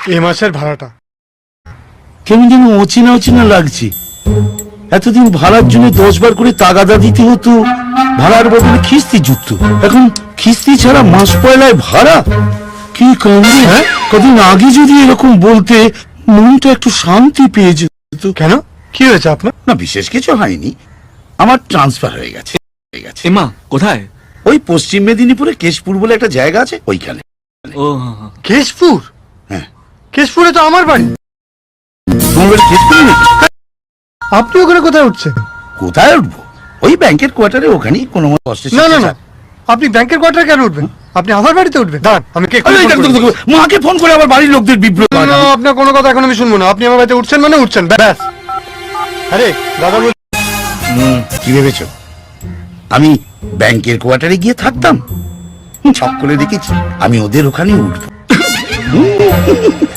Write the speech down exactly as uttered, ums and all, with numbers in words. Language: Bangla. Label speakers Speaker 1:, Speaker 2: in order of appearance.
Speaker 1: এ মাসের ভাড়াটা।
Speaker 2: কেমন যেন অচেনা অচেনা লাগছে। এতদিন ভাড়ার জন্য দশ বার করে তাগাদা দিতে হতো, ভাড়ার বদলে খিস্তি যুক্ত। এখন খিস্তি ছাড়া মাস পয়লায় ভাড়া, কি কাণ্ডে!
Speaker 1: হ্যাঁ?
Speaker 2: কদিন আগে যদি এরকম বলতে মনটা একটু শান্তি পেয়ে যেত।
Speaker 1: কেন, কি হয়েছে আপনার?
Speaker 2: না, বিশেষ কিছু হয়নি, আমার ট্রান্সফার হয়ে গেছে হয়ে গেছে
Speaker 3: এমা কোথায়?
Speaker 2: ওই পশ্চিম মেদিনীপুরে কেশপুর বলে একটা জায়গা আছে, ওইখানে।
Speaker 3: ও
Speaker 1: কেশপুর?
Speaker 2: হ্যাঁ।
Speaker 1: কেশপুরে তো আমার বাড়ি।
Speaker 2: তোমার বাড়ি কেশপুরে নাকি?
Speaker 1: আপনি ওখানে কোথায় উঠছেন?
Speaker 2: কোথায় উঠবো? ওই ব্যাংকের কোয়ার্টারে, ওখানেই কোনো মতো কষ্টে।
Speaker 1: না না না, আপনি ব্যাংকের কোয়ার্টারে কেন উঠবেন? আপনি আমার বাড়িতে উঠবেন। দাঁড়ান, আমি কে
Speaker 2: মাকে ফোন করে আবার বাড়ির লোকদের বিব্রত।
Speaker 1: আপনার কোনো কথা এখন আমি শুনবো না। আপনি আমার বাড়িতে উঠছেন মানে উঠছেন, ব্যাস। আরে দাদা বল,
Speaker 2: কি ভেবেছো আমি ব্যাংকের কোয়ার্টারে গিয়ে থাকতাম? ছক করে দেখেছি আমি ওদের ওখানে উঠবো।